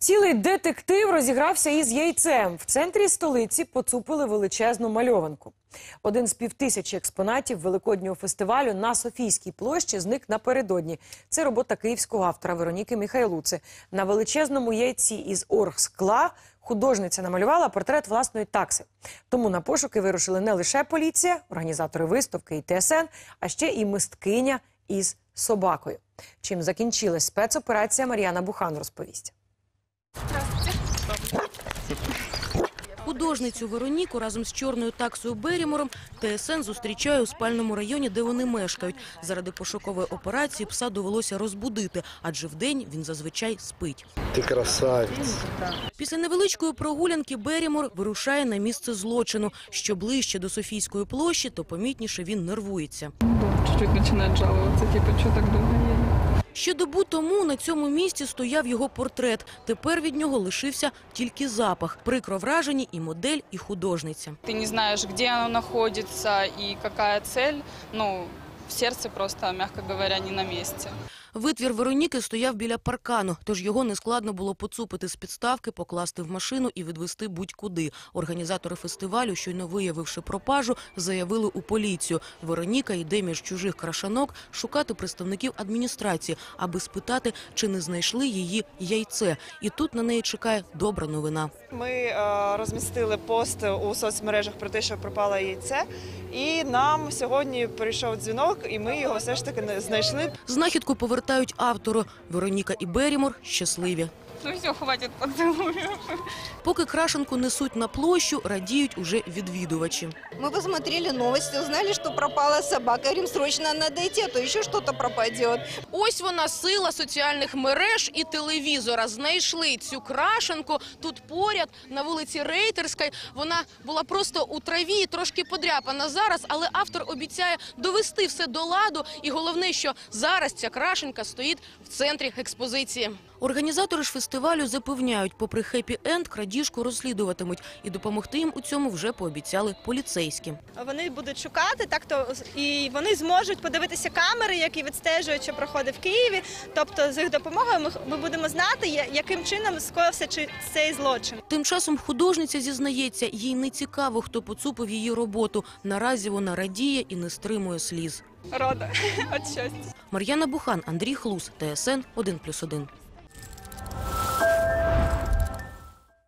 Цілий детектив розігрався із яйцем. В центрі столиці поцупили величезну мальованку. Один з 5000 експонатів великоднього фестивалю на Софійській площі зник напередодні. Це робота київського автора Вероніки Міхайлуци. На величезному яйці із оргскла художниця намалювала портрет власної такси. Тому на пошуки вирушили не лише поліція, організатори виставки і ТСН, а ще і мисткиня із собакою. Чим закінчилась спецоперація, Мар'яна Бухан розповість. Художницю Вероніку разом з чорною таксою Берімором ТСН зустрічає у спальному районі, де вони мешкають. Заради пошукової операції пса довелося розбудити, адже вдень він зазвичай спить. Ти красавець. Після невеличкої прогулянки Берімор вирушає на місце злочину. Що ближче до Софійської площі, то помітніше він нервується. Чуть-чуть починає жалуватися, типу, що так довго є. Ще добу тому на цьому місці стояв його портрет. Тепер від нього лишився тільки запах. Прикро вражені і модель, і художниця. Ти не знаєш, де воно знаходиться і яка ціль. В серці просто, м'яко говоря, не на місці. Витвір Вероніки стояв біля паркану, тож його нескладно було поцупити з підставки, покласти в машину і відвезти будь-куди. Організатори фестивалю, щойно виявивши пропажу, заявили у поліцію. Вероніка йде між чужих крашанок шукати представників адміністрації, аби спитати, чи не знайшли її яйце. І тут на неї чекає добра новина. Ми розмістили пост у соцмережах про те, що пропало яйце. І нам сьогодні прийшов дзвінок, і ми його все ж таки знайшли. Знахідку повертають автору. Вероніка і Берімор щасливі. Ну все, хватить поцілуїв. Поки крашенку несуть на площу, радіють уже відвідувачі. Мы посмотрели новости, узнали, что пропала собака. Говорим, срочно надо идти, а то еще что-то пропадет. Ось вона, сила соціальних мереж і телевізора. Знайшли цю крашенку тут поряд, на вулиці Рейтерській. Вона була просто у траві, трошки подряпана зараз, але автор обіцяє довести все до ладу. І головне, що зараз ця крашенка стоїть в центрі експозиції. Організатори ж фестивалю запевняють, попри хеппі-енд, крадіжку розслідуватимуть. І допомогти їм у цьому вже пообіцяли поліцейські. Вони будуть шукати, і вони зможуть подивитися камери, які відстежують, що проходить в Києві. Тобто з їх допомогою ми будемо знати, яким чином скоївся цей злочин. Тим часом художниця зізнається, їй не цікаво, хто поцупив її роботу. Наразі вона радіє і не стримує сліз. Рада від щастя. Мар'яна Бухан, Андрій Хлус, ТСН 1+1.